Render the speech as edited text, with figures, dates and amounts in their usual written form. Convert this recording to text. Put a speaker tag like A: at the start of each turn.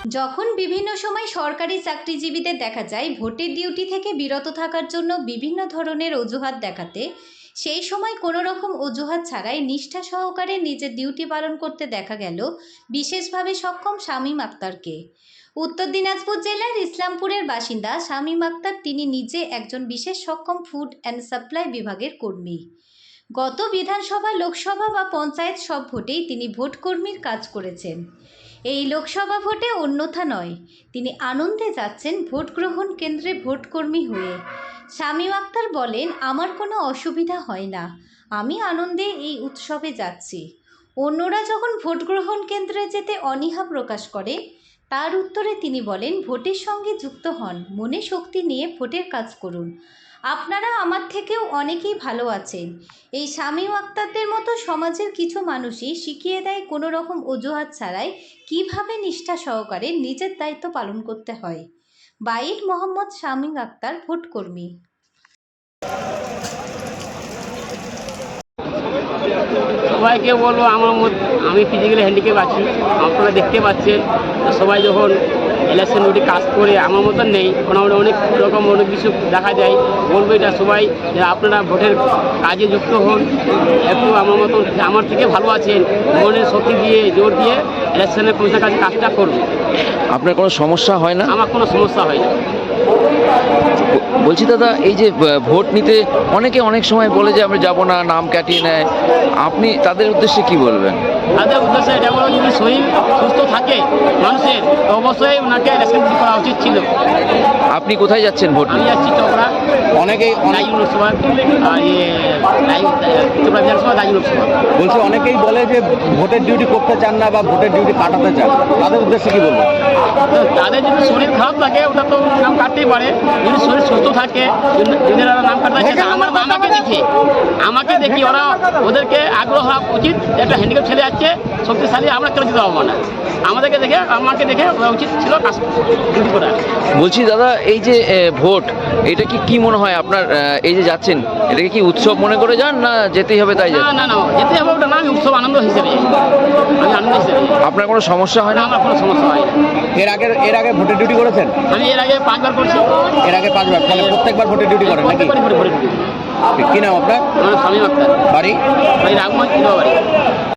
A: যখন বিভিন্ন সময় সরকারি চাকরিজীবীদের দেখা যায় ভোটের ডিউটি থেকে বিরত থাকার জন্য বিভিন্ন ধরনের অজুহাত দেখাতে, সেই সময় কোনো রকম অজুহাত ছাড়াই নিষ্ঠা সহকারে নিজের ডিউটি পালন করতে দেখা গেল বিশেষভাবে সক্ষম শামীম আক্তারকে। উত্তর দিনাজপুর জেলার ইসলামপুরের বাসিন্দা শামীম আক্তার তিনি নিজে একজন বিশেষ সক্ষম ফুড অ্যান্ড সাপ্লাই বিভাগের কর্মী। গত বিধানসভা, লোকসভা বা পঞ্চায়েত সব ভোটেই তিনি ভোটকর্মীর কাজ করেছেন। এই লোকসভা ভোটে অন্যথা নয়, তিনি আনন্দে যাচ্ছেন ভোট গ্রহণ কেন্দ্রে ভোটকর্মী হয়ে। শামীম আক্তার বলেন, আমার কোনো অসুবিধা হয় না, আমি আনন্দে এই উৎসবে যাচ্ছি। অন্যরা যখন ভোট গ্রহণ কেন্দ্রে যেতে অনীহা প্রকাশ করে, তার উত্তরে তিনি বলেন, ভোটের সঙ্গে যুক্ত হন, মনে শক্তি নিয়ে ভোটের কাজ করুন। আপনারা আমার থেকেও অনেকেই ভালো আছেন। এই শামীম আক্তারদের মতো সমাজের কিছু মানুষই শিখিয়ে দেয় কোনো রকম অজুহাত ছাড়াই কিভাবে নিষ্ঠা সহকারে নিজের দায়িত্ব পালন করতে হয়। বাইট মোহাম্মদ শামীম আক্তার, ভোটকর্মী।
B: সবাইকে বলবো আমি ফিজিক্যালি হ্যান্ডিক্যাপ আছি, আপনারা দেখতে পাচ্ছেন। সবাই যখন ইলেকশন ডিউটি কাজ করে আমার মতন নেই, মোটামুটি অনেক রকম অনেক কিছু দেখা যায়। বলবো এটা সবাই যে আপনারা ভোটের কাজে যুক্ত হন, একটু আমার মতন আমার থেকে ভালো আছেন, মনের শক্তি দিয়ে জোর দিয়ে ইলেকশনের কাজটা করুন।
C: আপনার কোনো সমস্যা হয় না?
B: আমার কোনো সমস্যা হয় না।
C: বলছি দাদা, এই যে ভোট নিতে অনেকে অনেক সময় বলে যে আমরা যাবো না, নাম কাটিয়ে নেয়, আপনি তাদের উদ্দেশ্যে কি বলবেন?
B: তাদের উদ্দেশ্যে এটা বলো, যদি শরীর সুস্থ থাকে মানুষের, তো অবশ্যই ওনাকে ইলেকশন করা উচিত ছিল।
C: আপনি কোথায় যাচ্ছেন ভোট?
B: আমি যাচ্ছি চোপড়া,
D: অনেকেই
B: লোকসভা, চোপড়া বিধানসভা, দায়ী লোকসভা।
D: বলছি অনেকেই বলে যে ভোটের ডিউটি করতে চান না বা ভোটের ডিউটি কাটাতে চান, তাদের উদ্দেশ্যে কি বলবো?
B: তো তাদের যদি শরীর খারাপ থাকে ওটা তো নাম কাটতেই পারে, যদি শরীর সুস্থ থাকে যদি নাম কাটতে চায়, আমাকে দেখি ওরা, ওদেরকে আগ্রহ হওয়া উচিত। একটা হ্যান্ডিক্যাপ ছেলে যাচ্ছে শক্তিশালী, আমরা কেন দিতে পারবো না? আমাকে দেখে ওরা উচিত ছিল কাজ ডিউটি করা।
C: বলছি দাদা, এই যে ভোট, এটা কি মনে হয় আপনার? এই যে যাচ্ছেন, এটাকে কি উৎসব মনে করে যান, না যেতেই হবে তাই যান?
B: না, যেতে হবে ওটা না, আমি উৎসব আনন্দ হিসেবে, আমি আনন্দ হিসেবে।
C: আপনার কোনো সমস্যা হয় না?
B: আমার কোনো সমস্যা হয় না।
D: এর আগে ভোটের ডিউটি করেছেন?
B: আমি এর আগে 5 বার করছি।
D: এর আগে 5 বার, তাহলে প্রত্যেকবার ভোটের ডিউটি করেন নাকি?
B: ভোটের ডিউটি।
D: কি নাম আপনার?
B: আমার শামীম আক্তার,
D: বাড়ি?
B: রাগমঞ্চ বাড়ি।